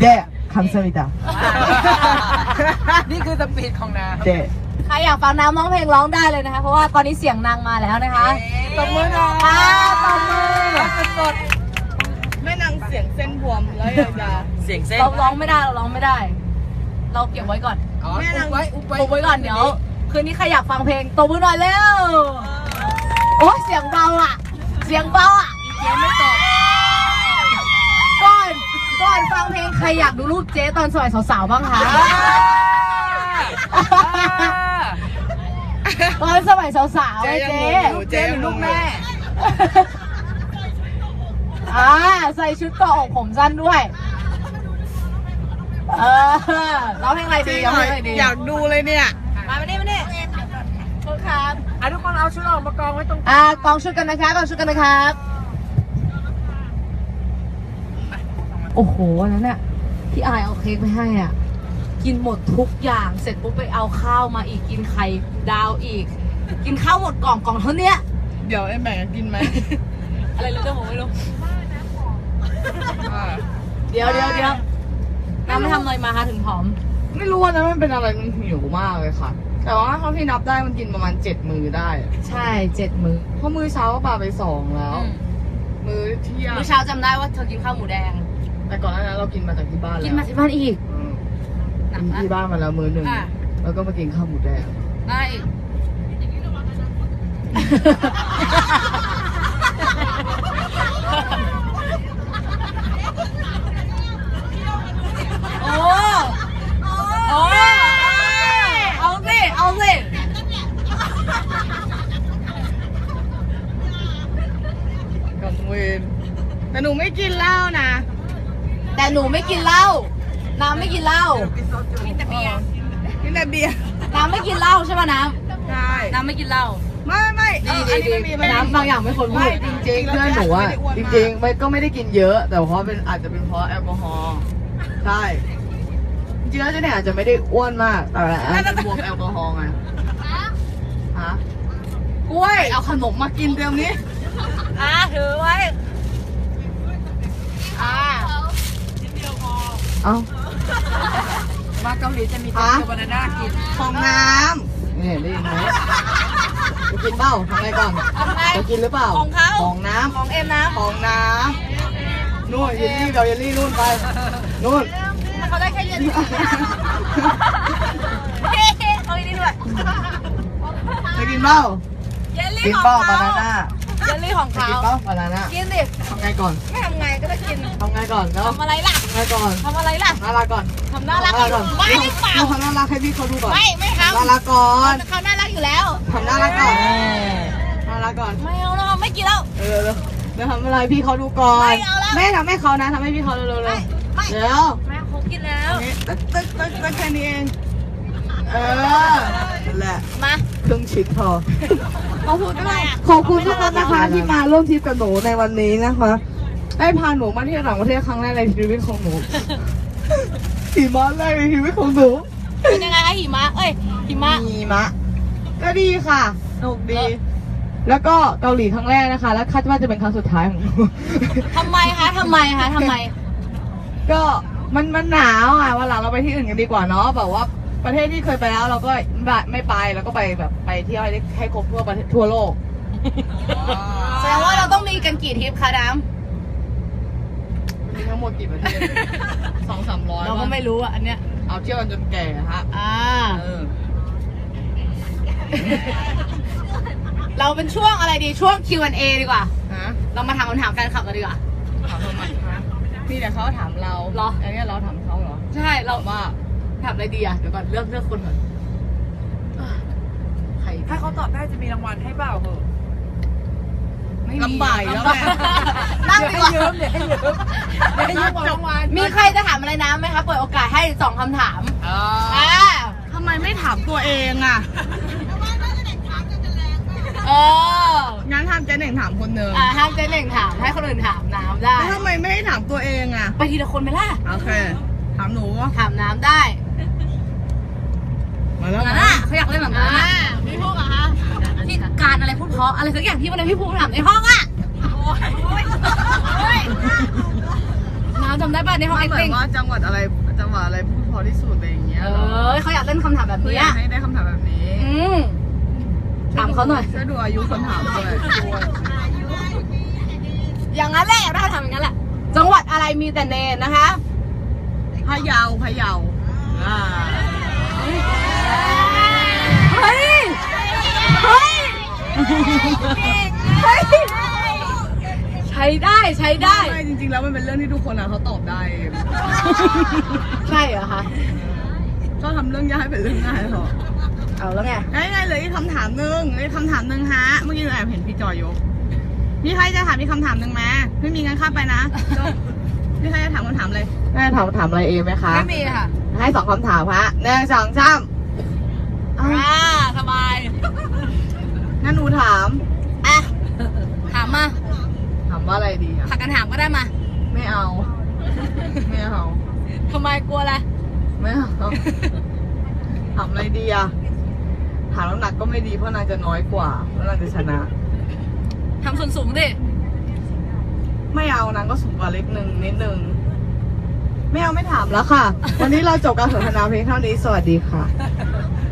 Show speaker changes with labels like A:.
A: 네 감사합니다
B: นี่คือสปีดของน้ำ
A: 네
C: ใครอยากฟังน้ำร้องเพลงร้องได้เลยนะคะเพราะว่าตอนนี้เสียงนางมาแล้วนะคะ
B: ตบมือหน่อย
C: ค่ะตบมือ
B: สด
D: แม่นางเสียงเส้นบวมแล้วยา
B: เสียงเส้น
C: เราร้องไม่ได้เราร้องไม่ได้ เราเก็บไว้ก่อน
B: อ๋ออุบไว้
C: อุบไว้ก่อนเดี๋ยวคืนนี้ใครอยากฟังเพลงตบมือหน่อยเร็วโอ้เสียงเบาอ่ะเสียงเบาอ่ะ
B: เจ๊ไม่ตอบ
C: ก่อนฟังเพลงใครอยากดูรูปเจ๊ตอนสมัยสาวๆบ้างคะตอนสมัยสาวๆไอ้เจ๊
D: เจ๊ยังลูกแม่
C: ใส่ชุดเกาะอกผมสั้นด้วยร้องเพลงอะไรดีร้องเพลงอะไรดี
D: อยากดูเลยเนี่ย
C: มาไม่ได้โทษครับ
B: ทุกคนเอาชุดออกมากองไว้ตรง
C: กองชุดกันนะครับกองชุดกันนะครับโอ้โหวันนั้นน่ะพี่อายเอาเค้กไปให้อ่ะกินหมดทุกอย่างเสร็จปุ๊บไปเอาข้าวมาอีกกินไข่ดาวอีก กินข้าวหมดกล่องเท่านี้
D: เดี๋ยวไอ้แม่กินไหม
C: อะไรรู้เรื่องผมไม่รู้เดี๋ยวน้ำไม่ทำอะไรมาคะถึงผอม
D: ไม่รู้ว่านั้นมันเป็นอะไรมันหิวมากเลยค่ะ แต่ว่าเท่าที่นับได้มันกินประมาณ7 มื้อได้
C: ใช่7 มื้อ
D: เพราะมื้อเช้าก็ปาไป2แล้ว มื้อเที่ยง
C: มื้อเช้าจำได้ว่าเธอกินข้าวหมูแดง
D: แต่ก่อนหน้านั้นเรากินมาจากที่บ้านแล้ว
C: กินมาที่บ้านอีก หนั
D: กิ
C: ก
D: น
C: นะ
D: ที่บ้านมาแล้วมื้อหนึ่ง
C: อ่ะ
D: แล้วก็มากินข้าวหมูแดง
C: ได้อีกโอ้เอาสิ
D: กับเวนแต่หนูไม่กินเหล้านะ
C: แต่หนูไม่กินเหล้าน้ำไม่กินเหล้า
D: กินแต่เบียร์
C: น้ำไม่กินเหล้าใช่ป่ะน้
D: ใช่
C: ำน้ำไม่กินเหล้า
D: ไม่
C: ดี
D: อันนี้ไม่มี
C: น้ำบางอย่างไม่ควรพู
D: ไม่
C: ด
D: จริงๆเพื่อนหนูอะจริงๆไม่ได้กินเยอะ แต่เพราะเป็นอาจจะเป็นเพราะแอลกอฮอล์ใช่จริงๆแล้วเจ๊เนี่ยอาจจะไม่ได้อ้วนมากแต่อาจจะบวกแอลกอฮอล์ไงฮะกล้วยเอาขนมมากินเดี๋ยวนี้
C: ถือไว้
D: เอ้า
B: มาเกาหลีจะมีโตเกียวบานาน่ากิน
D: ของน้ำนี่ได้ยินไหมจะกินเปล่าทำไงก่อน
C: ทำไง
D: จะกินหรือเปล่า
C: ของเขา
D: ของน้ำ
C: ของเอ็มน้ำ
D: ของน้ำนู่นเยลลี่กับเยลลี่นู่นไปนู่น
C: เขาได้แค่เย็นเอาอีกนิดด้วย
D: จะกินเปล่า
C: เยลลี่
D: กิน
C: ของ
D: เปล่า
C: เขา
D: บานาน่า
C: เยลลี่ของ
D: จะ
C: เขา
D: กินเปล่าบานาน่า
C: กินดิ
D: ทำไงก่อน
C: ไม่ทำไงก็ได้กิน
D: ทำไงก่อนแล้ว
C: ทำอะไรล่ะ
D: ทำไงก่อน
C: ทำอะไรล่ะ
D: น่ารักก่อน
C: ทำน่ารัก
D: ก่อน
C: ไม่หรือเปล่า
D: ทำน่ารักให้พี่เขาดูก่อน
C: ไม่ทำ
D: น่ารักก่อน
C: เขาน่ารักอยู่แล้ว
D: ทำน่ารักก่อนน่ารักก่อน
C: ไม่เอาแล้วไม่กินแล้ว
D: เดี๋ยวทำอะไรพี่เขาดูก่อน
C: ไม่เอาแล้ว
D: แม่ทำให้เขานะทำให้พี่เขาเร็วๆเลย
C: ไม่
D: เดี๋ยว
C: แม่เขากินแล้ว
D: นี่ตึ๊กแค่นี้เองนั่นแหละ
C: มา
D: ครึ่งชิ้นพอ
C: เขาพูดทำไมอ่ะ
D: ขอบคุณทุกคนนะคะที่มาร่วมทริปกับหนูในวันนี้นะคะได้พาหนูมาเที่ยวต่างประเทศครั้งแรกในชีวิตของหนูหิมะแรกในชีวิตของหนู
C: เป็นยังไงคะหิมะหิมะ
D: หิมะก็ดีค่ะสนุกดี แล้วก็เกาหลีครั้งแรกนะคะ แล้วคาดว่าจะเป็นครั้งสุดท้ายของหนู
C: ทำไมคะทำไม
D: ก็มันหนาวอ่ะวันหลังเราไปที่อื่นกันดีกว่าเนาะแบบว่าประเทศที่เคยไปแล้วเราก็ไม่ไปแล้วก็ไปแบบไปเที่ยวให้ครบทั่วประเทศทั่วโลก
C: แสดงว่าเราต้องมีกันกี่ทริปคะน้
D: มีทั้งหมดกี่ประเทศ 200-300
C: ำเราก็ไม่รู้อ่ะอันเนี้ย
D: เอาเที่ยวกันจนแก่ฮะเออ
C: เราเป็นช่วงอะไรดีช่วง Q&A ดีกว่า
D: ฮะ
C: เรามาถามคำถามแฟนคลับกันดีกว่า
D: ถามทำไมฮะพี่แต่เขาถามเรา
C: เหรอ
D: อันนี้เราถามเขาเหรอ
C: ใช่เรา
D: ว่า
C: ถามอะไรดีอ่ะเดี๋ยวก่อนเลือกคนก่อนใคร
B: ถ้าเขาตอบได้จะมีรางวัลให้เปล่าเหรอ
C: ไม่มี
D: ลำบากอีกแล้วแม่
C: นั่งดีกว่า
B: เดี๋ยวให้ยืมรางวัล
C: มีใครจะถามอะไรน้ำไหมคะเปิดโอกาสให้2คำถาม
D: ทำไมไม่ถามตัวเองอ่ะ งั้นทำเจ๊หนึ่งถามคนหนึ่ง
C: ห้ามเจ๊หนึ่งถามให้คนอื่นถามน้ำได้
D: แล้วทำไมไม่ให้ถามตัวเองอ่ะ
C: ไปทีละคนไหมล่ะ
D: โอเค ถามหนู
C: ถามน้ำได้
D: มาแล้ว
C: นั่นน่ะเขาอยากเล่นแบบนั้นน่ะพี่พูดเหรอคะที่การอะไรพูดเพราะอะไรสักอย่างที่วันนั้นพี่พูดถามในห้องอ่ะน้ำจำได้ป่ะในห้อง
D: เหมือน
C: acting
D: ว่าจังหวัดอะไรพูดพอที่สุดอะไรอย่างเงี้ย
C: เขาอยากเล่นคำถามแบบ
D: คือ
C: นี้
D: อยากให้ได้คำถามแบบนี้
C: ถามเขาหน่อย
D: ช่วยดูอายุคนถามด้วย
C: อย่างนั้นแหละได้ทำอย่างนั้นแหละ จังหวัดอะไรมีแต่เนนนะคะ
D: พะเยาอ่า
C: เฮ้ย เฮ้ย เฮ้ย ใช้ได้ใช้ได้
D: ไม่จริงๆแล้วมันเป็นเรื่องที่ทุกคนเขาตอบได้
C: ใช่เหรอคะ
D: ชอบทำเรื่องยากให้เป็นเรื่องง่ายหรอ
C: เอาแล้วไง
D: ง่ายๆเลยอีกคำถามหนึ่งฮะเมื่อกี้เราแอบเห็นพี่จอยยกมีใครจะถามมีคำถามหนึ่งไหมไม่มีงั้นข้ามไปนะพี่ใครจะถามคำถามเลยแม่ถามอะไรเองไหมคะ
B: ไม่มีค่ะ
D: ให้2 คำถามฮะ1 2 3
B: สบาย
D: งั้นหนูถาม
C: อ่ะ ถามมา
D: ถามว่าอะไรดีอะ
C: ผักกันถามก็ได้มา
D: ไม่เอา
C: ทำไมกลัวอะไร
D: ไม่เอาถามอะไรดีอะถามน้ำหนักก็ไม่ดีเพราะนางจะน้อยกว่าแล้วนางจะชนะ
C: ทำส่วนสูงดิ
D: ไม่เอานางก็สูงกว่าเล็กนิดนึงไม่เอาไม่ถามแล้วค่ะ วันนี้เราจบการสนทนาเพียงเท่านี้สวัสดีค่ะ